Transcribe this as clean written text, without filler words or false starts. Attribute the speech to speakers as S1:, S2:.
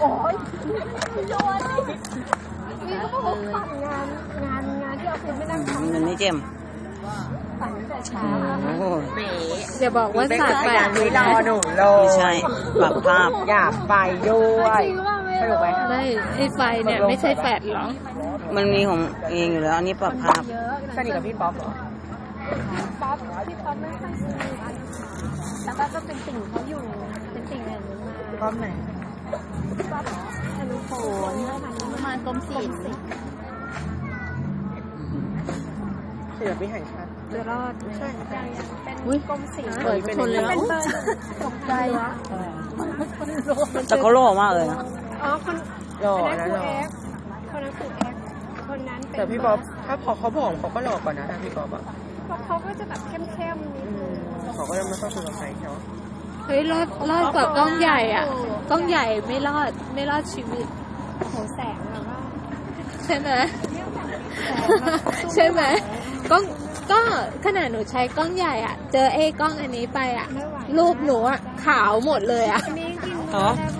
S1: โอ้ยโยนนี่ก็บอกฝันงานที่ออฟฟิศไม่นั่งทำ
S2: มันไม่เจม
S1: ฝันแต่เช้า
S2: โอ้โห
S3: อย่าบอกว่าสาดแปด
S4: ไม่รอหนูเล
S2: ไม่
S4: ย
S2: ใช่ปรับภาพ
S4: อยากไปด้วยสนุกไหม
S3: ไม่ไอ้ไฟเนี่ยไม่ใช่แปดหรอ
S2: มันมีของเองอยู่แล้ว อันนี้ปรับภาพ
S1: เยอะ
S4: สนิทกับพี่ป๊อปเหรอ
S1: ป๊อปพี่ป๊อปไม่ค่อยสนิทแต่ก็เป็นติ่งเขาอยู่เป็นติ่งอะไรนี้มา
S4: ป๊อปไหน
S1: ป๊อปอนุโผล่มากรมศิลป์
S4: ศิลปินแห่งชาติ
S3: จะรอด
S4: ใช่
S1: เป็นกรมศิลป์
S3: เปิดชนแล้ว
S1: เป็นเบอร์ตกใจวะ
S2: แต่เขาหล่อมากเลยนะ
S1: อ๋อคน
S4: หล่อ
S1: คนนั้น
S4: นะ
S1: คือ
S4: หล่อ
S1: เอ็กคนนั้นคือเอ็กคนนั้นเป็น
S4: แต่พี่ป๊อปถ้าพอเขาผอมเขาก็หล่อกว่านะถ้าพี่ป๊อปอ่ะ
S1: เขาก็จะแบบเข้มๆนิดนึง
S4: เขาก็จะไม่ค่อยคุยกับใครใช่ไหม
S3: เฮ้ยรอดกว่ากล้องใหญ่อ่ะกล้องใหญ่ไม่รอดชีวิต
S1: โหแสงแบบว่า
S3: ใช่ไหมใช่ไหมก็ขนาดหนูใช้กล้องใหญ่อ่ะ เจอไอ้กล้องอันนี้ไปอ่ะ รูปหนูอ่ะขาวหมดเลยอ่ะ
S1: มีกิน
S2: อ๋อ